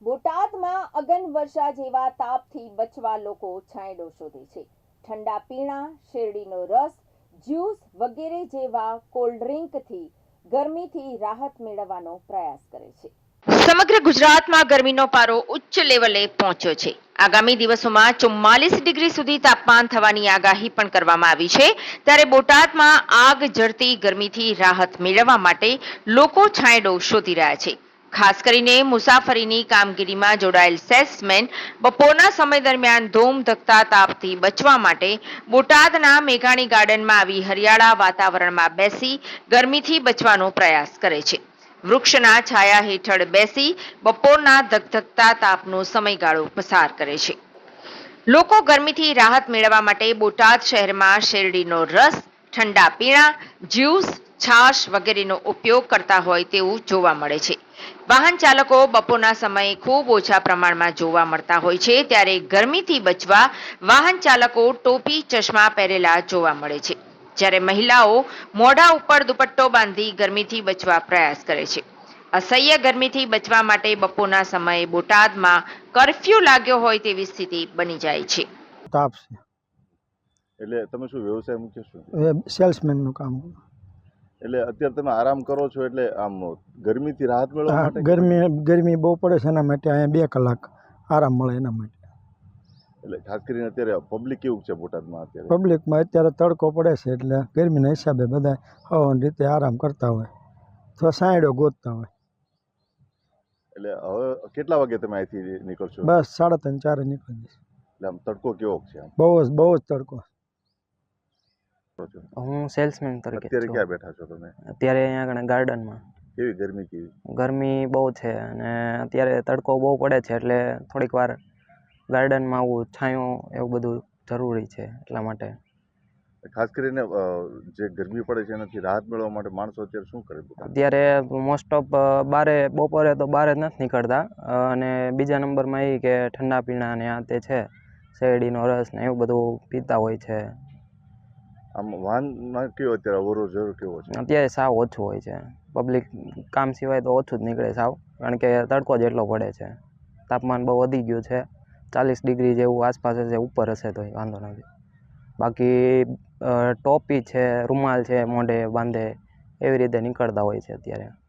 બોટાદમાં અગનવર્ષા જેવા તાપથી બચવા લોકો છાંયડો શોધે છે. ઠંડા પીણા, શેરડીનો રસ, જ્યુસ વગેરે જેવા કોલ્ડ ડ્રિંકથી ગરમીથી રાહત મેળવવાનો પ્રયાસ કરે છે. સમગ્ર ગુજરાતમાં ગરમીનો પારો ઉચ્ચ લેવલે પહોંચ્યો છે. આગામી દિવસોમાં 44 ડિગ્રી સુધી તાપમાન થવાની આગાહી પણ કરવામાં આવી છે. ત્યારે બોટાદમાં આગ ઝરતી ગરમીથી રાહત મેળવવા માટે લોકો છાંયડો શોધી રહ્યા છે. ખાસ કરીને મુસાફરીની કામગીરીમાં જોડાયેલ સેલ્સમેન બપોરના સમય દરમિયાન ધૂમધકતા તાપથી બચવા માટે બોટાદના મેઘાણી ગાર્ડનમાં આવી હરિયાળા વાતાવરણમાં બેસી ગરમીથી બચવાનો પ્રયાસ કરે છે. વૃક્ષના છાયા હેઠળ બેસી બપોરના ધગધગતા તાપનો સમયગાળો પસાર કરે છે. લોકો ગરમીથી રાહત મેળવવા માટે બોટાદ શહેરમાં શેરડીનો રસ, ઠંડા પીણા, જ્યુસ, છાશ વગેરેનો ઉપયોગ કરતા હોય તેવું જોવા મળે છે. વાહન ચાલકો બપોરના સમયે ખૂબ ઓછા પ્રમાણમાં જોવા મળતા હોય છે. ત્યારે ગરમીથી બચવા વાહન ચાલકો ટોપી, ચશ્મા પહેરેલા જોવા મળે છે. જ્યારે મહિલાઓ મોઢા ઉપર દુપટ્ટો બાંધી ગરમીથી બચવા પ્રયાસ કરે છે. અસહ્ય ગરમીથી બચવા માટે બપોરના સમયે બોટાદમાં કર્ફ્યુ લાગ્યો હોય તેવી સ્થિતિ બની જાય છે. તાપ છે એટલે તમે શું વ્યવસાય મુખ્ય શું છે? એ સેલ્સમેનનું કામ. એટલે અત્યારે તમે આરામ કરો છો એટલે આમ ગરમીથી રાહત મેળવવા હા, માટે ગરમી બહુ પડે છે, એના માટે અહીંયા 2 કલાક આરામ મળે એના માટે. એટલે ખાસ કરીને અત્યારે પબ્લિક કેવું છે બોટાદમાં અત્યારે? પબ્લિકમાં અત્યારે તડકો પડે છે એટલે ગરમીના હિસાબે બધા હવાની રીતે આરામ કરતા હોય અથવા સાંયડો ગોતતા હોય. એટલે હવે કેટલા વાગે તમે અહીંથી નીકળશો? બસ 3:30 4 નીકળી જશે. એટલે આમ તડકો કેવો છે આમ? બહુ જ તડકો. હું સેલ્સમેન તરીકે અત્યારે છું. ક્યાં બેઠા છો તમે? અત્યારે અહીંયા આગળ ગાર્ડનમાં. કેવી ગરમી કેવી? ગરમી બહુ છે અને અત્યારે તડકો બહુ પડે છે એટલે થોડીક વાર ગાર્ડનમાં આવું છાંયો એવું બધું જરૂરી છે એટલા માટે. ખાસ કરીને જે ગરમી પડે છે એનાથી રાહત મેળવવા માટે માણસો અત્યારે શું કરે? અત્યારે મોસ્ટ ઓફ બપોરે તો બહાર જ નથી નીકળતા અને બીજા નંબરમાં એ કે ઠંડા પીણા ને આ તે છે, શેરડીનો રસ ને એવું બધું પીતા હોય છે. આમ વાહનમાં કેવો અત્યારે અવરો જવર કેવો છે? અત્યારે સાવ ઓછું હોય છે. પબ્લિક કામ સિવાય તો ઓછું જ નીકળે સાવ, કારણ કે તડકો જ એટલો પડે છે. તાપમાન બહુ વધી ગયું છે, 40 ડિગ્રી જેવું આસપાસ હશે, ઉપર હશે તો વાંધો નથી. બાકી ટોપી છે, રૂમાલ છે, મોઢે બાંધે એવી રીતે નીકળતા હોય છે અત્યારે.